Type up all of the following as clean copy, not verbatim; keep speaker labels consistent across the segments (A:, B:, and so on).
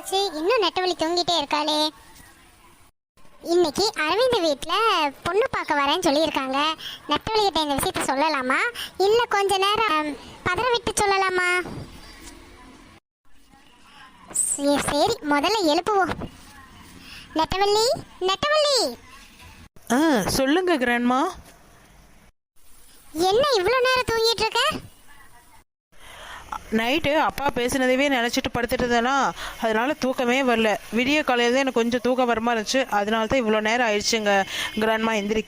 A: ஆச்சு, இன்னும் நெட்டவழி தூங்கிட்டே இருக்காளே. இன்னைக்கு அரவிந்த் வீட்டில் பொண்ணு பார்க்க வரேன்னு சொல்லியிருக்காங்க. நெட்டவழி கிட்ட இந்த விஷயத்த சொல்லலாமா, இல்லை கொஞ்ச நேரம் பதற விட்டு சொல்லலாமா? சரி, முதல்ல எழுப்புவோம். நெட்டவள்ளி, நெட்டவள்ளி.
B: சொல்லுங்க கிராண்ட்மா.
A: என்ன இவ்வளோ நேரம் தூங்கிட்டு இருக்க?
B: நைட்டு அப்பா பேசினதவே நினச்சிட்டு படுத்துட்டு இருந்தேனா, அதனால தூக்கமே வரல. விடிய காலையில் தான் எனக்கு கொஞ்சம் தூக்கம் வரமா இருந்துச்சு, அதனால தான் இவ்வளோ நேரம் ஆயிடுச்சுங்க கிராண்ட்மா எந்திரிக்க.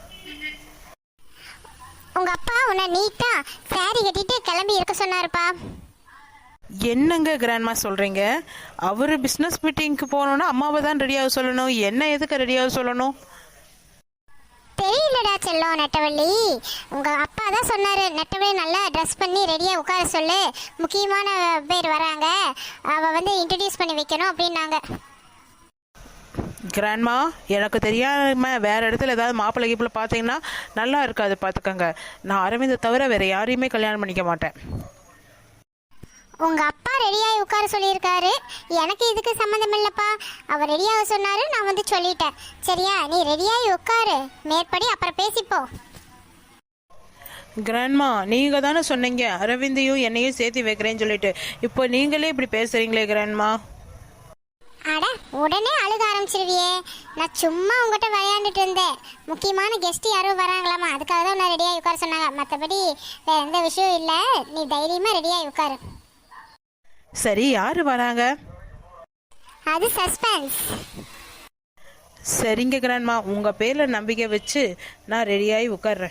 A: உங்க அப்பா உன்னை நீட்டா சாரி கட்டிட்டு கிளம்பி இருக்க சொன்னாருப்பா.
B: என்னங்க கிராண்ட்மா சொல்கிறீங்க? அவர் பிஸ்னஸ் மீட்டிங்க்கு போகணுன்னா அம்மாவை தான் ரெடியாக சொல்லணும், என்ன எதுக்கு ரெடியாக சொல்லணும்?
A: தெரியலடா செல்லம் நெட்டவள்ளி, உங்க அப்பா தான் சொன்னாரு நெட்டவள்ளி நல்லா ட்ரெஸ் பண்ணி ரெடியா உட்கார சொல்லு, முக்கியமான பேர் வராங்க, அவ வந்து இன்ட்ரடியூஸ் பண்ணி வைக்கணும் அப்படின்னாங்க.
B: கிராண்ட்மா, எனக்கு தெரியாம வேற இடத்துல ஏதாவது மாப்பிள்ளை கீப்பில் பார்த்தீங்கன்னா நல்லா இருக்காது, பார்த்துக்கோங்க. நான் அரவிந்தை தவிர வேற யாரையுமே கல்யாணம் பண்ணிக்க மாட்டேன்.
A: உங்க அப்பா ரெடியாகி உட்கார சொல்லியிருக்காரு, எனக்கு இதுக்கு சம்மந்தம் இல்லப்பா. அவர் ரெடியாக சொன்னாரு, நான் வந்து சொல்லிட்டேன். சரியா, நீ ரெடியாகி உட்காரு, மேற்படி அப்புறம் பேசிப்போ.
B: கிராண்ட்மா, நீங்கள் தானே சொன்னீங்க அரவிந்தையும் என்னையும் சேர்த்து வைக்கிறேன்னு சொல்லிட்டு, இப்போ நீங்களே இப்படி பேசுறீங்களே கிராண்ட்மா.
A: அட, உடனே அழுக ஆரம்பிச்சிருவியே. நான் சும்மா உங்ககிட்ட விளையாண்டுட்டு இருந்தேன். முக்கியமான கெஸ்ட் யாரும் வராங்களாமா, அதுக்காக தான் நான் ரெடியாகி உட்கார சொன்னாங்க. மற்றபடி வேற எந்த விஷயம் இல்லை, நீ தைரியமாக ரெடியாகி உட்காரு.
B: சரி, யாரு வராங்க?
A: அது சஸ்பென்ஸ்.
B: சரிங்க கிராண்ட்மா, உங்க பேர்ல நம்பிக்கை வச்சு நான் ரெடியாகி உட்கார்றேன்.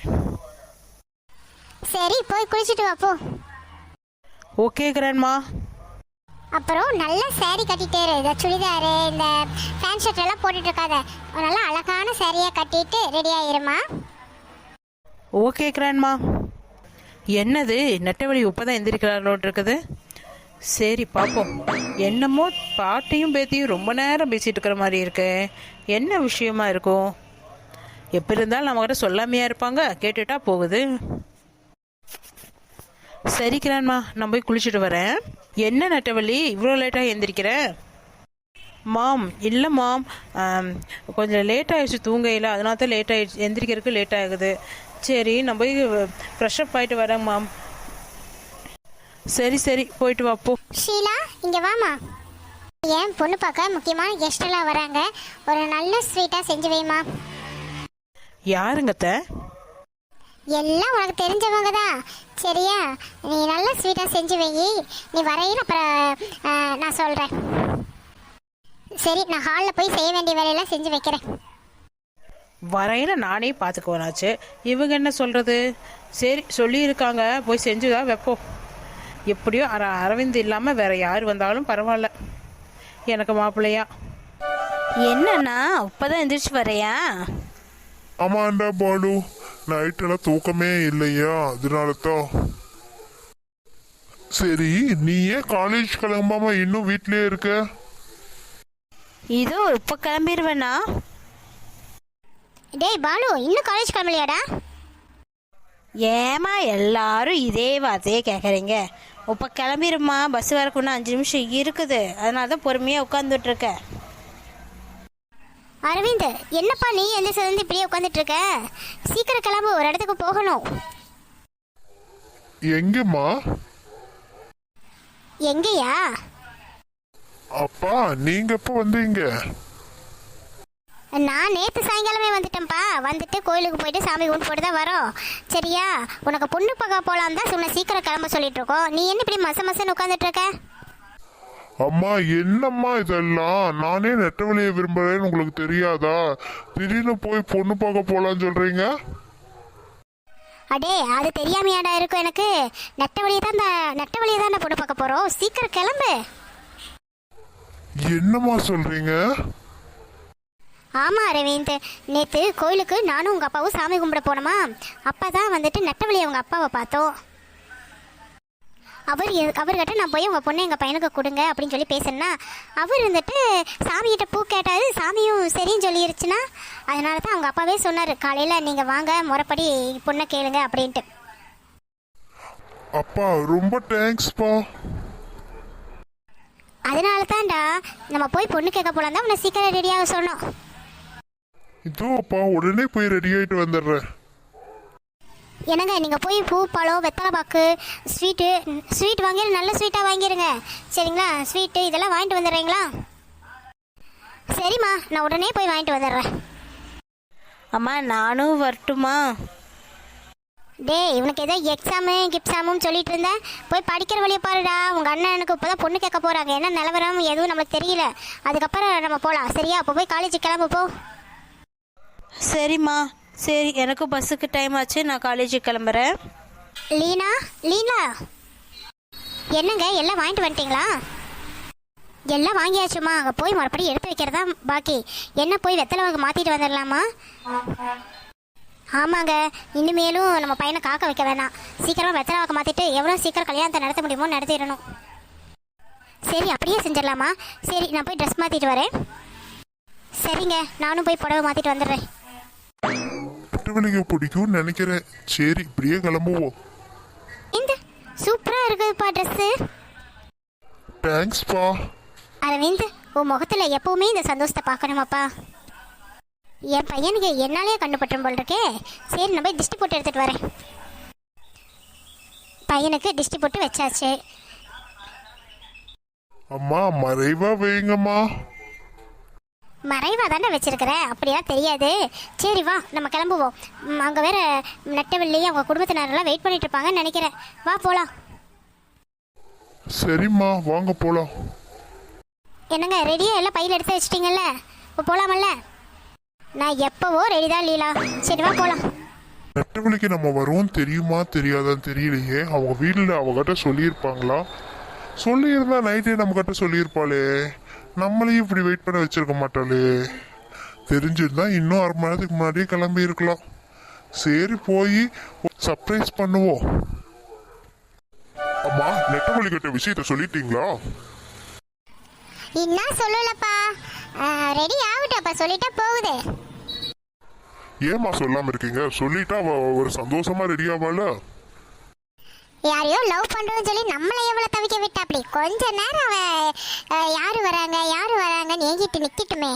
A: சரி, போய் குளிச்சுட்டு வா போ.
B: Okay grandma.
A: அப்புறம் நல்லா சாரி கட்டிட்டே இரு. இந்த சுடிதாரு, இந்த பேண்ட் ஷர்ட் எல்லாம் போட்டுட்டு இருக்காத, நல்லா அழகான சாரியா கட்டிட்டு ரெடி ஆயிருமா.
B: Okay grandma. என்னது, நெட்டவழி இப்பதான் எந்திரிக்கிறாரோட்டு இருக்குது. சரி பார்ப்போம். என்னமோ பாட்டியும் பேத்தியும் ரொம்ப நேரம் பேசிட்டு இருக்கிற மாதிரி இருக்கு. என்ன விஷயமா இருக்கும்? எப்படி இருந்தாலும் நம்மகிட்ட சொல்லாமையா இருப்பாங்க, கேட்டுட்டா போகுது. சரி கிராண்ட்மா, நான் போய் குளிச்சுட்டு வரேன். என்ன நெட்டவள்ளி இவ்வளோ லேட்டாக எந்திரிக்கிறேன்? மாம், இல்லை மாம், கொஞ்சம் லேட் ஆகிடுச்சு தூங்கையில், அதனால தான் லேட் ஆகிடுச்சு, எந்திரிக்கிறதுக்கு லேட் ஆகுது. சரி, நான் போய் ஃப்ரெஷ்அப் ஆகிட்டு வரேன் மாம். சரி சரி, போயிட்டு வா போ.
A: ஷீலா, இங்கே வாமா. ஏன் பொண்ணு பார்க்க முக்கியமான கெஸ்ட் எல்லாம் வராங்க, ஒரு நல்ல ஸ்வீட்டாக செஞ்சு வைமா.
B: யாருங்கத்த?
A: எல்லாம் உனக்கு தெரிஞ்சவங்க தான். சரியா, நீ நல்ல ஸ்வீட்டாக செஞ்சு வை. நீ வரையில் அப்புறம் நான் சொல்கிறேன். சரி, நான் ஹாலில் போய் செய்ய வேண்டிய வேலையெல்லாம் செஞ்சு வைக்கிறேன்.
B: வரையில் நானே பார்த்துக்குவேனாச்சு, இவங்க என்ன சொல்கிறது? சரி, சொல்லியிருக்காங்க, போய் செஞ்சுதான் வைப்போம். எப்படியோ அரவிந்த் இல்லாமல் வேற யார் வந்தாலும் பரவாயில்ல எனக்கு மாப்பிள்ளையா.
C: என்னண்ணா இப்பதான் எந்திரிச்சு வரையா?
D: ஆமாண்டா பாலு, நைட்டெல்லாம் தூக்கமே இல்லையா, அதனால தான். சரி, நீ ஏன் காலேஜ் கிளம்பாம இன்னும் வீட்லயே இருக்க?
C: இதோ இப்ப கிளம்பிடுவேண்ணா.
A: டேய் பாலு, இன்னும் காலேஜ் கிளம்பலையாடா?
C: ஏமா எல்லாரும் இதே வார்த்தையே கேட்குறீங்க? இப்போ கிளம்பிடுமா, பஸ் வரக்கு இன்னும் 5 நிமிஷம் இருக்குது, அதனால தான் பொறுமையாக உட்காந்துட்டு இருக்கேன்.
A: அரவிந்த், என்னப்பா நீ எந்த சேர்ந்து இப்படியே உட்காந்துட்டு இருக்க? சீக்கிரம் கிளம்பு, ஒரு இடத்துக்கு போகணும்.
D: எங்கம்மா?
A: எங்கயா?
D: அப்பா, நீங்க எப்ப வந்தீங்க?
A: நான் நேற்று சாயங்காலமே வந்துட்டேன்ப்பா. வந்துட்டு கோயிலுக்கு போயிட்டு சாமி கும்பிட்டு போட்டு தான் வரோம். சரியா, உனக்கு பொண்ணு பார்க்க போகலாம் தான் சொன்ன, சீக்கிரம் கிளம்ப சொல்லிட்டு இருக்கோம். நீ என்ன இப்படி மசன்னு உட்காந்துட்டு இருக்க?
D: அம்மா, என்னம்மா இதெல்லாம்? நானே நெட்டவழியை விரும்புறேன்னு உங்களுக்கு தெரியாதா? திடீர்னு போய் பொண்ணு பார்க்க போலான்னு சொல்றீங்க.
A: அடே, அது தெரியாமையாடா இருக்கும் எனக்கு. நெட்டவழியை தான் பொண்ணு பார்க்க போறோம். சீக்கிரம் கிளம்பு.
D: என்னம்மா சொல்றீங்க?
A: ஆமா அரவிந்த், நேற்று கோயிலுக்கு நானும் உங்க அப்பாவும் சாமி கும்பிட போனோமா, அப்பதான் வந்துட்டு நெட்டவழி அவங்க அப்பாவை பார்த்தோம். அவர்கிட்ட நான் போய் உங்கள் பொண்ணு எங்கள் பையனுக்கு கொடுங்க அப்படின்னு சொல்லி பேசுனா, அவர் இருந்துட்டு சாமிகிட்ட பூ கேட்டார். சாமியும் சரின்னு சொல்லிருச்சுன்னா, அதனால தான் அவங்க அப்பாவே சொன்னார், காலையில் நீங்கள் வாங்க முறைப்படி பொண்ணை கேளுங்க அப்படின்ட்டு.
D: அப்பா ரொம்ப தேங்க்ஸ்ப்பா.
A: அதனால தான்டா நம்ம போய் பொண்ணு கேட்க போலாம் தான் உன்னை சீக்கிரம் ரெடியாக சொன்னோம்.
D: இதோ அப்பா உடனே போய் ரெடி ஆயிட்டு வந்துடுறேன்.
A: என்னங்க நீங்கள் போய் பூ பழம் வெத்தலை பாக்கு ஸ்வீட் வாங்கிடு, நல்ல ஸ்வீட்டாக வாங்கிடுங்க சரிங்களா. ஸ்வீட்டு இதெல்லாம் வாங்கிட்டு வந்துடுறீங்களா? சரிம்மா, நான் உடனே போய் வாங்கிட்டு வந்துடுறேன்.
C: அம்மா நானும் வரட்டுமா?
A: டேய், இவனுக்கு ஏதோ கிப்ஸாமும் சொல்லிட்டு இருந்தேன். போய் படிக்கிற வழியை பாருடா. உங்கள் அண்ணனுக்கு இப்போ தான் பொண்ணு கேட்க போகிறாங்க. என்ன நிலவரம் எதுவும் நம்மளுக்கு தெரியல. அதுக்கப்புறம் நம்ம போகலாம் சரியா? அப்போ போய் காலேஜுக்கு கிளம்பு போ.
C: சரிம்மா, சரி, எனக்கும் பஸ்ஸுக்கு டைம் ஆச்சு, நான் காலேஜுக்கு கிளம்புறேன்.
A: லீனா என்னங்க எல்லாம் வாங்கிட்டு வந்துட்டீங்களா? எல்லாம் வாங்கியாச்சுமா. அங்கே போய் மறுபடியும் எடுத்து வைக்கிறதா பாக்கி. என்ன போய் வெத்தலை வாங்க மாற்றிட்டு வந்துடலாமா? ஆமாங்க, இனிமேலும் நம்ம பையனை காக்க வைக்க வேணாம். சீக்கிரமாக வெத்தலை வாக்க மாற்றிட்டு எவ்வளோ சீக்கிரம் கல்யாணத்தை நடத்த முடியுமோ நடத்திடணும். சரி, அப்படியே செஞ்சிடலாமா? சரி, நான் போய் ட்ரெஸ் மாற்றிட்டு வரேன். சரிங்க, நானும் போய் புடவை மாற்றிட்டு வந்துடுறேன்.
D: நெட்டவழியை பிடிக்கும்னு நினைக்கிறேன். சரி, இப்படியே கிளம்புவோம்.
A: இந்த சூப்பராக இருக்குதுப்பா ட்ரெஸ்ஸு.
D: தேங்க்ஸ்ப்பா.
A: அரவிந்த், உன் முகத்தில் எப்பவுமே இந்த சந்தோஷத்தை பார்க்கணுமாப்பா. என் பையனுக்கு என்னாலே கண்டுபட்டுரும் போல் இருக்கே. சரி, நான் போய் திஷ்டி போட்டு எடுத்துகிட்டு வரேன். பையனுக்கு திஷ்டி போட்டு வச்சாச்சு.
D: அம்மா மறைவா வைங்கம்மா.
A: மறைவாக தானே வச்சிருக்கிறேன், அப்படியெல்லாம் தெரியாது. சரி வா, நம்ம கிளம்புவோம். அங்கே வேற நெட்டவள்ளியே அவங்க குடும்பத்தினரெல்லாம் வெயிட் பண்ணிட்டு இருப்பாங்கன்னு நினைக்கிறேன். வா போகலாம்.
D: சரிம்மா, வாங்க போலாம்.
A: என்னங்க ரெடியாக எல்லாம் பையில் எடுத்து வச்சிட்டிங்கல்ல? இப்போ போகலாமல்ல? நான் எப்போவோ ரெடி தான் லீலா. சரி வா போகலாம்.
D: நெட்டவழிக்கு நம்ம வருவோம் தெரியுமா தெரியாதான்னு தெரியலையே. அவங்க வீட்டில் அவகிட்ட சொல்லியிருப்பாங்களா? சொல்லியிருந்தா நைட்டே நம்மகிட்ட சொல்லியிருப்பாளே. நம்மளையும் இப்படி வெயிட் பண்ண வச்சிருக்க மாட்டாளே. தெரிஞ்சிருந்தா இன்னும் 1/2 மணி நேரத்துக்கு முன்னாடியே கிளம்பி இருக்கலாம். சரி, போய் சர்ப்ரைஸ் பண்ணுவோம். அம்மா, நெட்டவழி கிட்ட விஷயத்த சொல்லிட்டீங்களா?
A: இன்னும் சொல்லலப்பா. ரெடி ஆகட்டப்பா, சொல்லிட்டா போகுது.
D: ஏமா சொல்லாம இருக்கீங்க? சொல்லிட்டா அவ ஒரு சந்தோஷமா ரெடி ஆவாள.
A: யாரையோ லவ் பண்றோம்னு சொல்லி நம்மளை எவ்வளவு தவிக்க விட்டா. அப்படி கொஞ்ச நேரம் அவ யாரு வராங்கன்னு ஏங்கிட்டு நிக்கட்டுமே.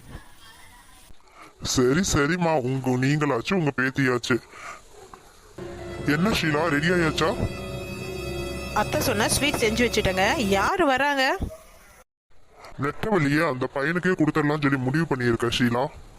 D: சரி சரிம்மா, நீங்களாச்சு உங்க பேத்தியாச்சு. என்ன ஷீலா, ரெடி ஆயாச்சா?
B: அத்தை சொன்ன ஸ்வீட் செஞ்சு வச்சுட்டேங்க. யார் வராங்க?
D: நெட்டவழியே அந்த பையனுக்கே கொடுத்துடலாம் சொல்லி முடிவு பண்ணியிருக்க ஷீலா.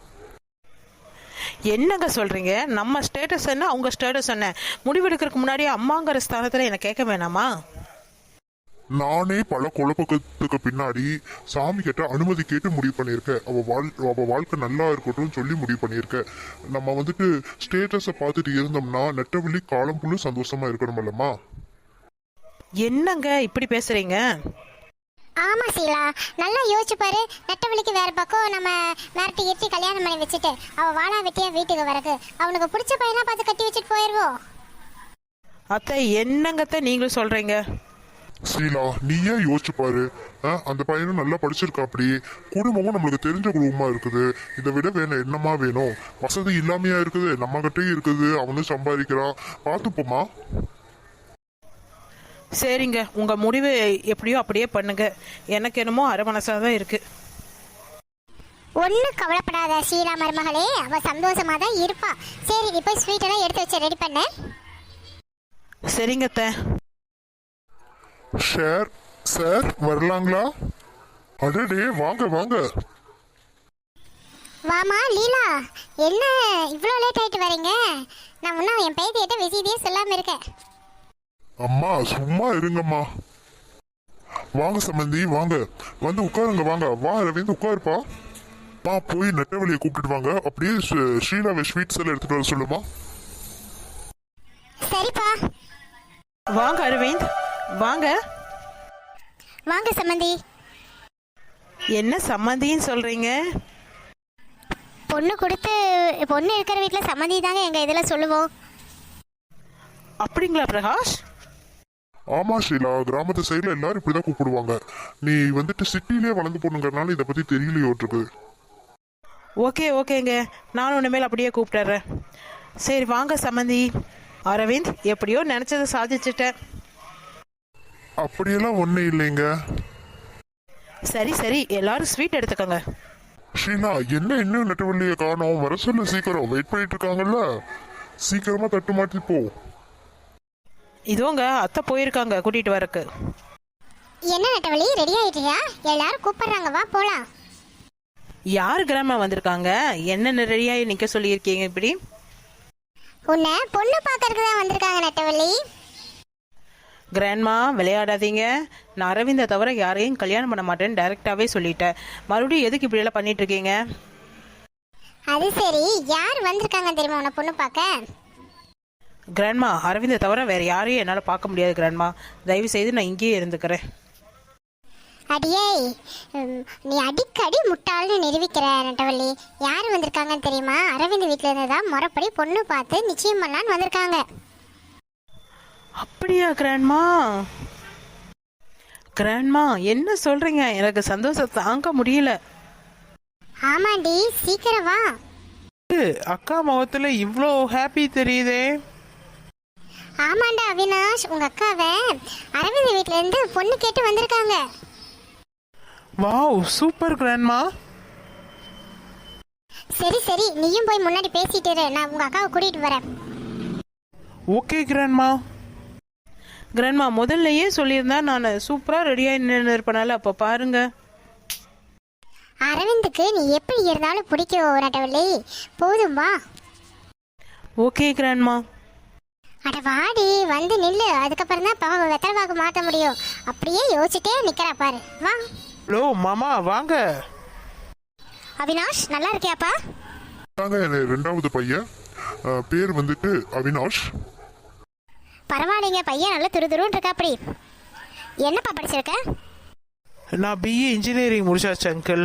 B: என்னங்க சொல்றீங்க? நம்ம ஸ்டேட்டஸ் என்ன, அவங்க ஸ்டேட்டஸ் என்ன? முடிவெடுக்கிறதுக்கு முன்னாடி அம்மாங்கிற ஸ்தானத்தில் என்ன கேட்க வேணாமா?
D: நானே பல குழப்பத்துக்கு பின்னாடி சாமி கிட்ட அனுமதி கேட்டு முடிவு பண்ணியிருக்கேன். அவ வாழ்க்கை நல்லா இருக்கட்டும் சொல்லி முடிவு பண்ணியிருக்கேன். நம்ம வந்துட்டு ஸ்டேட்டஸை பார்த்துட்டு இருந்தோம்னா நெட்டவழி காலம் புள்ள சந்தோஷமா இருக்கணுமல்லம்மா.
B: என்னங்க இப்படி பேசுறீங்க?
A: ஆமா சீலா, நல்லா யோசிச்சு பாரு. நெட்டவழிக்கு வேற பக்கம் நம்ம மிரட்டி கல்யாணம் பண்ணி வச்சுட்டு அவ வாழா வெட்டியா வீட்டுக்கு வரக்கு அவனுக்கு பிடிச்ச பையனா பார்த்து கட்டி வச்சுட்டு போயிடுவோம்.
B: அத்தை என்னங்கத்த நீங்களும் சொல்றீங்க?
D: சீலா, நீயே யோசிச்சு பாரு. அந்த பையனும் நல்லா படிச்சிருக்கா. அப்படி குடும்பமும் நம்மளுக்கு தெரிஞ்ச குடும்பமா இருக்குது. இதை விட வேணும் என்னமா வேணும்? வசதி இல்லாமையா இருக்குது, நம்ம கிட்டே இருக்குது. அவனும் சம்பாதிக்கிறான். பார்த்துப்போமா?
B: சரிங்க, உங்க முடிவு எப்படியோ அப்படியே பண்ணுங்க. எனக்கு என்னமோ அரை மனசாக தான் இருக்கு.
A: ஒன்றும் கவலைப்படாத ஷீலா மருமகளே, அவ சந்தோஷமா தான் இருப்பா. சரி, இப்போ ஸ்வீட் எல்லாம் எடுத்து வச்சு ரெடி பண்ண.
B: சரிங்க அத்தை.
D: சார் வரலாங்களா? அடடே, வாங்க வாங்க.
A: வாமா லீலா, என்ன இவ்வளோ லேட் ஆயிட்டு வரீங்க? நான் முன்னா என் பேத்தியிட்ட விஷயத்தையே சொல்லாம இருக்கேன்.
D: அம்மா சும்மா இருங்கம்மா. வாங்க சம்பந்தி, வாங்க வந்து உட்காருங்க. வாங்க வா ரவீந்து, உட்காருப்பா. போய் நெட்டவழியை கூப்பிட்டு வாங்க. அப்படியே ஸ்ரீலாவை ஸ்வீட்ஸ் எல்லாம் எடுத்துட்டு வர சொல்லுமா.
A: சரிப்பா.
B: வாங்க அரவிந்த், வாங்க
A: வாங்க சம்மந்தி.
B: என்ன சம்மந்தின்னு சொல்றீங்க?
A: பொண்ணு இருக்கிற வீட்டில் சம்மந்தி தாங்க எங்க இதில் சொல்லுவோம்.
B: அப்படிங்களா பிரகாஷ்?
D: ஆமா ஷீலா, கிராமத்து சைடுல எல்லாரும் இப்படிதான் கூப்பிடுவாங்க. நீ வந்துட்டு சிட்டிலே வளர்ந்து போனுங்கிறனால இதை பத்தி தெரியலையோட்டு.
B: ஓகேங்க, நானும் இனிமேல் அப்படியே கூப்பிட்டுறேன். சரி வாங்க சம்மந்தி. அரவிந்த், எப்படியோ நினைச்சதை சாதிச்சுட்டேன்.
D: அப்படியெல்லாம் ஒன்றும் இல்லைங்க.
B: சரி சரி, எல்லாரும் ஸ்வீட் எடுத்துக்கோங்க.
D: ஷீனா, என்ன இன்னும் நெட்டவள்ளியை காணோம்? வர சொல்லு சீக்கிரம், வெயிட் பண்ணிட்டு இருக்காங்கல்ல. சீக்கிரமா தட்டு மாட்டி போ.
B: இதோங்க அத்தை போயிருக்காங்க கூட்டிட்டு வரக்கு.
A: என்ன நெட்டவழி, ரெடி ஆயிட்டியா? எல்லாரும் கூப்பிடுறாங்க, வா போலாம்.
B: யார் கிராம வந்திருக்காங்க? என்ன ரெடியாகி நிற்க சொல்லியிருக்கீங்க இப்படி?
A: உன்னை பொண்ணு பார்க்கறதுக்கு தான் வந்திருக்காங்க நெட்டவள்ளி.
B: கிராண்ட்மா விளையாடாதீங்க. நான் அரவிந்தை தவிர யாரையும் கல்யாணம் பண்ண மாட்டேன்னு டைரெக்டாகவே சொல்லிட்டேன். மறுபடியும் எதுக்கு இப்படியெல்லாம் பண்ணிட்டு இருக்கீங்க?
A: அது சரி, யார் வந்திருக்காங்க தெரியுமா உன்னை பொண்ணு பார்க்க?
B: கிராண்ட்மா, அரவிந்தை தவிர வேற யாரையும் என்னால் பார்க்க முடியாது கிராண்ட்மா. தயவு செய்து நான் இங்கேயே இருந்துக்கிறேன்.
A: அடியே, நீ அடிக்கடி முட்டாள்னு நிரூபிக்கிற நெட்டவள்ளி. யார் வந்திருக்காங்கன்னு தெரியுமா? அரவிந்த் வீட்டில் இருந்து தான் முறைப்படி பொண்ணு பார்த்து நிச்சயம் பண்ணலான்னு வந்திருக்காங்க.
B: அப்படியா கிராண்ட்மா? கிராண்ட்மா என்ன சொல்றீங்க? எனக்கு சந்தோஷம் தாங்க முடியல.
A: ஆமாண்டி, சீக்கிரம் வா.
B: அக்கா முகத்துல இவ்வளோ ஹாப்பி தெரியுதே.
A: ஆமாண்டா அவினாஷ், உங்க அக்காவை அரவிந்த் வீட்ல இருந்து பொண்ணு கேட்டு வந்திருக்காங்க.
B: Wow, super grandma.
A: சரி சரி, நீயும் போய் முன்னாடி பேசிட்டு இரு, நான் உங்க அக்காவை கூட்டிட்டு வரேன்.
B: Okay grandma. கிராண்ட்மா முதல்லயே சொல்லியிருந்தா நான் சூப்பராக ரெடியாக நின்று இருப்பனால. அப்போ பாருங்க.
A: அரவிந்துக்கு நீ எப்படி இருந்தாலும் பிடிக்கும் நட்டவள்ளி, போதும் வா.
B: Okay grandma.
A: அட வாடி, வந்து நில்லு. அதுக்கப்புறம் தான் பாவ வெத்தலைவாக்கு மாற்ற முடியும். அப்படியே யோசிச்சுட்டே நிக்கிறா பாரு, வா.
B: ஹலோ மாமா, வாங்க.
A: அவினாஷ், நல்லா இருக்கியாப்பா?
D: தாங்க என் ரெண்டாவது பையன், பேர் வந்துட்டு அவினாஷ்.
A: பரவாயில்லைங்க, பையன் நல்லா துருதுருன்னு இருக்கா. அப்படி என்னப்பா படிச்சிருக்க?
B: நான் பிஏ இன்ஜினியரிங் முடிச்சாச்சு அங்கிள்.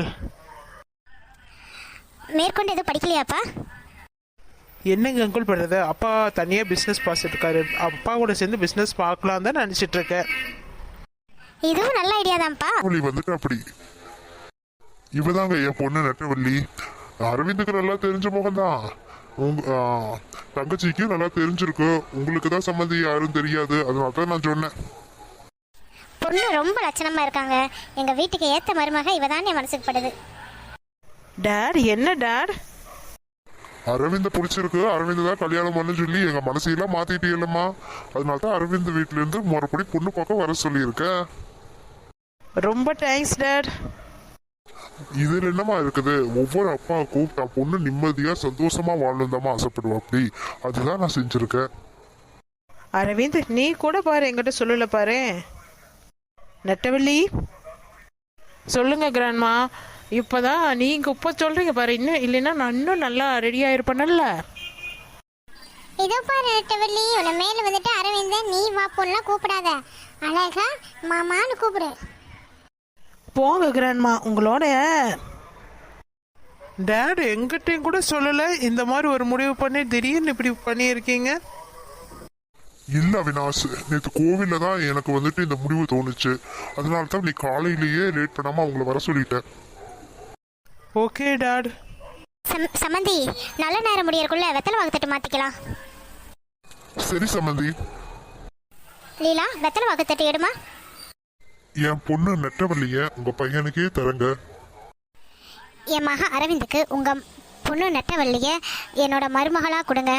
A: மேற்கொண்டு எதுவும் படிக்கலையாப்பா?
B: என்னங்க அங்கிள் பண்ணுறது? அப்பா தனியாக பிஸ்னஸ் பார்த்துட்டு இருக்காரு. அப்பா கூட சேர்ந்து பிஸ்னஸ் பார்க்கலாம் தான் நினச்சிட்டு இருக்கேன்.
A: இதுவும் நல்ல ஐடியா தான்ப்பா.
D: வந்துட்டு அப்படி இவதாங்க என் பொண்ணு நெட்டவள்ளி. அரவிந்துக்கு நல்லா தெரிஞ்ச முகம்தான். உங்க தங்கச்சிக்கும் நல்லா தெரிஞ்சிருக்கு. உங்களுக்கு தான் சம்மந்தி யாரும் தெரியாது, அதனால தான் நான் சொன்னேன்.
A: பொண்ணு ரொம்ப லட்சணமா இருக்காங்க. எங்க வீட்டுக்கு ஏத்த மருமக இவதான் என் மனசுக்கு படுது.
B: டேட், என்ன டேட்?
D: அரவிந்த பிடிச்சிருக்கு, அரவிந்த் தான் கல்யாணம் பண்ணு சொல்லி எங்க மனசையெல்லாம் மாத்திட்டே இல்லம்மா. அதனால தான் அரவிந்த் வீட்டுல இருந்து மறுபடி பொண்ணு பார்க்க வர சொல்லியிருக்கேன்.
B: ரொம்ப தேங்க்ஸ் டேட்.
D: இதுல என்னமா இருக்குது? ஒவ்வொரு அப்பாவுக்கும் தான் பொண்ணு நிம்மதியா சந்தோஷமா வாழணும்தாம்மா ஆசைப்படுவா. அப்படி அதுதான் நான் செஞ்சிருக்கேன்.
B: அரவிந்த், நீ கூட பாரு, என்கிட்ட சொல்லல பாரு. நெட்டவள்ளி சொல்லுங்க கிராண்ட்மா. இப்போதான் நீங்க இப்போ சொல்றீங்க பாரு. இன்னும் இல்லைன்னா நான் இன்னும் நல்லா ரெடியாக இருப்பேன்ல.
A: இதோ பாரு நெட்டவள்ளி, உன்னை மேல வந்துட்டு அரவிந்த நீ வா பொண்ணெல்லாம் கூப்பிடாத, அழகா மாமான்னு கூப்பிடு.
B: போங்க கிராண்ட்மா. உங்களோட டேட் எங்கிட்டையும் கூட சொல்லலை இந்த மாதிரி ஒரு முடிவு பண்ணி திடீர்னு இப்படி பண்ணியிருக்கீங்க.
D: இல்ல அவினாஷ், நேற்று கோவில்ல தான் எனக்கு வந்துட்டு இந்த முடிவு தோணுச்சு. அதனால தான் நீ காலையிலேயே லேட் பண்ணாம அவங்கள வர சொல்லிட்டேன்.
B: Okay dad.
A: சமந்தி, நல்ல நேரம் முடியறக்குள்ள வெத்தலை வாக்கு தட்டு மாத்திக்கலாம்.
D: சரி சம்மந்தி.
A: லீலா, வெத்தலை வாக்கு தட்டு எடுமா.
D: என் பொண்ணு நெட்டவள்ளிய உங்க பையனுக்கே தரங்க.
A: என் மக அரவிந்துக்கு உங்க பொண்ணு நெட்டவள்ளிய என்னோட மருமகளா கொடுங்க.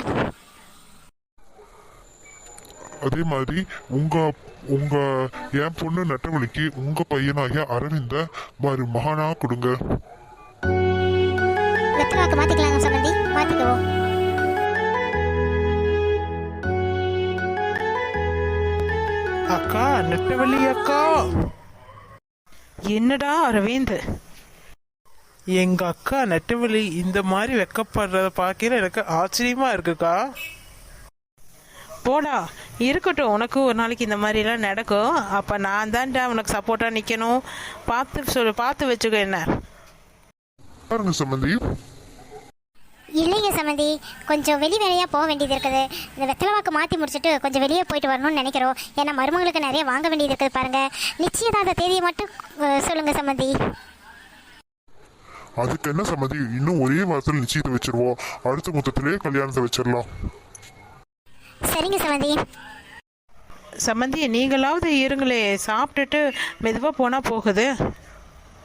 D: அதே மாதிரி உங்க உங்க என் பொண்ணு நெட்டவள்ளிக்கு உங்க பையனாகிய அரவிந்த மருமகனா கொடுங்க.
A: வெத்தலை வாக்கு மாத்திக்கலாங்க சமந்தி, மாத்திக்குவோம்.
B: அக்கா, நெட்டவள்ளி அக்கா. என்னடா அரவிந்த், எங்க அக்கா நெட்டவள்ளி இந்த மாதிரி வெக்கப்படுறத பார்க்கல எனக்கு ஆச்சரியமா இருக்குக்கா. போடா, இருக்கட்டும். உனக்கு ஒரு நாளைக்கு இந்த மாதிரிலாம் நடக்கும். அப்போ நான் தான்டா உனக்கு சப்போர்ட்டாக நிற்கணும். பார்த்து வச்சுக்கோ. என்ன
D: பாருங்க சம்மந்தி.
A: இல்லைங்க சமந்தி, கொஞ்சம் வெளி வேலையாக போக வேண்டியது இருக்குது. இந்த வெத்தலை வாக்கு மாற்றி முடிச்சுட்டு கொஞ்சம் வெளியே போயிட்டு வரணும்னு நினைக்கிறோம். ஏன்னா மருமகளுக்கு நிறைய வாங்க வேண்டியது இருக்குது பாருங்க. நிச்சயதார்த்த தேதியை மட்டும் சொல்லுங்க சமந்தி.
D: அதுக்கு என்ன சம்மந்தி, இன்னும் ஒரே வாரத்தில் நிச்சயத்தை வச்சிருவோம். அடுத்த மொத்தத்திலே கல்யாணத்தை வச்சிடலாம்.
A: சரிங்க சமந்தி.
B: சம்மந்தி, நீங்களாவது இருங்களே, சாப்பிட்டுட்டு மெதுவாக போனால் போகுது.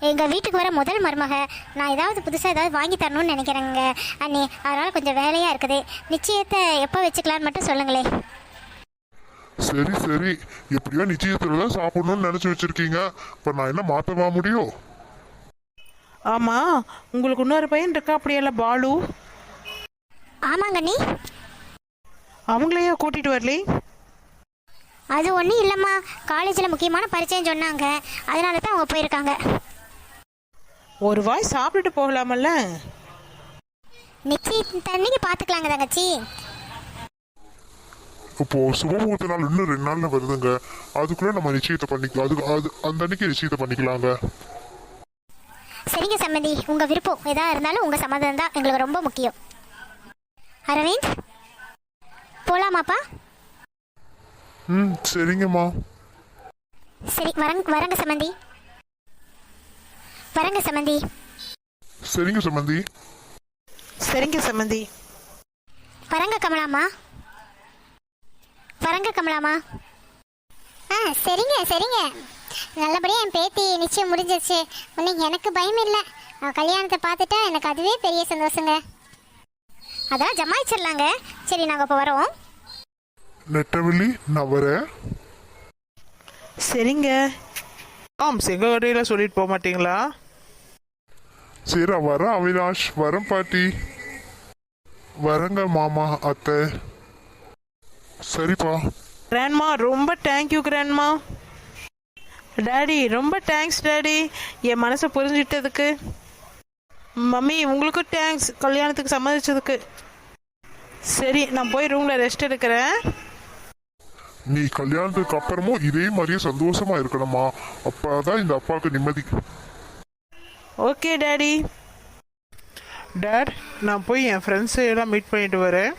A: எங்கள் வீட்டுக்கு வர முதல் மருமக. நான் ஏதாவது புதுசாக ஏதாவது வாங்கி தரணும்னு நினைக்கிறேங்க அண்ணி. அதனால் கொஞ்சம் வேலையாக இருக்குது. நிச்சயத்தை எப்போ வச்சுக்கலான்னு மட்டும் சொல்லுங்களே.
D: சரி சரி, எப்படியோ நிச்சயத்துல தான் சாப்பிடணும்னு நினைச்சு வச்சிருக்கீங்க. இப்ப நான் என்ன மாத்தவா முடியும்?
B: ஆமாம், உங்களுக்கு இன்னொரு பையன் இருக்கா அப்படியெல்லாம் பாலு?
A: ஆமாங்க அண்ணி.
B: அவங்களையே கூட்டிகிட்டு வரலே?
A: அது ஒன்றும் இல்லைம்மா, காலேஜில் முக்கியமான பரிச்சயம் சொன்னாங்க, அதனால தான் அவங்க போயிருக்காங்க.
B: ஒரு வாய் சாப்பிட்டுட்டு போகலாமல்ல?
A: நிச்சயம் தண்ணிக்கு பார்த்துக்கலாங்க தங்கச்சி.
D: இப்போ சுபமுகூர்த்த நாள் இன்னும் 2 நாள்ல வருதுங்க. அதுக்குள்ள நம்ம நிச்சயத்தை பண்ணிக்கலாம். அந்த அன்னைக்கு நிச்சயத்தை பண்ணிக்கலாங்க.
A: சரிங்க சம்மந்தி, உங்கள் விருப்பம் எதாக இருந்தாலும் உங்கள் சம்மதம் தான் எங்களுக்கு ரொம்ப முக்கியம். அரவிந்த், போகலாமாப்பா?
D: சரிங்கம்மா.
A: சரி, வரங்க சம்மந்தி. வரங்க சம்மந்தி.
D: சரிங்க சம்பந்தி.
B: சரிங்க சம்மந்தி.
A: வரங்க கமலாமா. வரங்க கமலாமா. சரிங்க சரிங்க. நல்லபடியாக என் பேத்தி நிச்சயம் முடிஞ்சிருச்சு. இன்னைக்கு எனக்கு பயம் இல்லை. கல்யாணத்தை பார்த்துட்டா எனக்கு அதுவே பெரிய சந்தோஷங்க. அதான் ஜமாயிச்சிடலாங்க. சரி, நாங்கள் இப்போ வரோம்.
D: நெட்டவெளி, நான் வரேன்.
B: சரிங்க.
E: எங்கள் கடையில் சொல்லிட்டு போக மாட்டீங்களா?
D: சரி, வரேன் அவினாஷ். வரேன் பாட்டி. வரேங்க மாமா அத்தை. சரிப்பா.
B: கிராண்ட்மா, ரொம்ப தேங்க்யூ கிராண்ட்மா. டாடி, ரொம்ப தேங்க்ஸ் டாடி, என் மனசை புரிஞ்சிட்டதுக்கு. மம்மி, உங்களுக்கும் தேங்க்ஸ் கல்யாணத்துக்கு சம்மதிச்சதுக்கு. சரி, நான் போய் ரூமில் ரெஸ்ட் எடுக்கிறேன்.
D: நீ கல்யாணத்துக்கு அப்புறமும் இதே மாதிரியே சந்தோஷமா இருக்கணுமா? அப்பதான் இந்த அப்பாவுக்கு நிம்மதி.
B: Okay daddy.
E: டேட், நான் போய் என் ஃப்ரெண்ட்ஸை எல்லாம் மீட் பண்ணிட்டு வரேன்.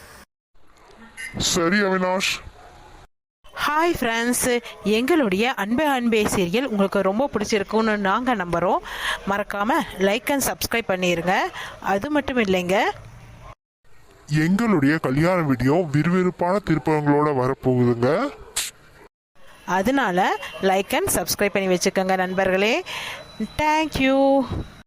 D: சரி அவினாஷ்.
B: ஹாய் ஃப்ரெண்ட்ஸ், எங்களுடைய அன்பே அன்பே சீரியல் உங்களுக்கு ரொம்ப பிடிச்சிருக்குன்னு நாங்கள் நம்புகிறோம். மறக்காமல் லைக் அண்ட் சப்ஸ்கிரைப் பண்ணிடுங்க. அது மட்டும் இல்லைங்க,
D: எங்களுடைய கல்யாண வீடியோ விறுவிறுப்பான திருப்பங்களோட வரப்போகுதுங்க.
B: அதனால லைக் அண்ட் சப்ஸ்கிரைப் பண்ணி வச்சுக்கோங்க நண்பர்களே. தேங்க்யூ.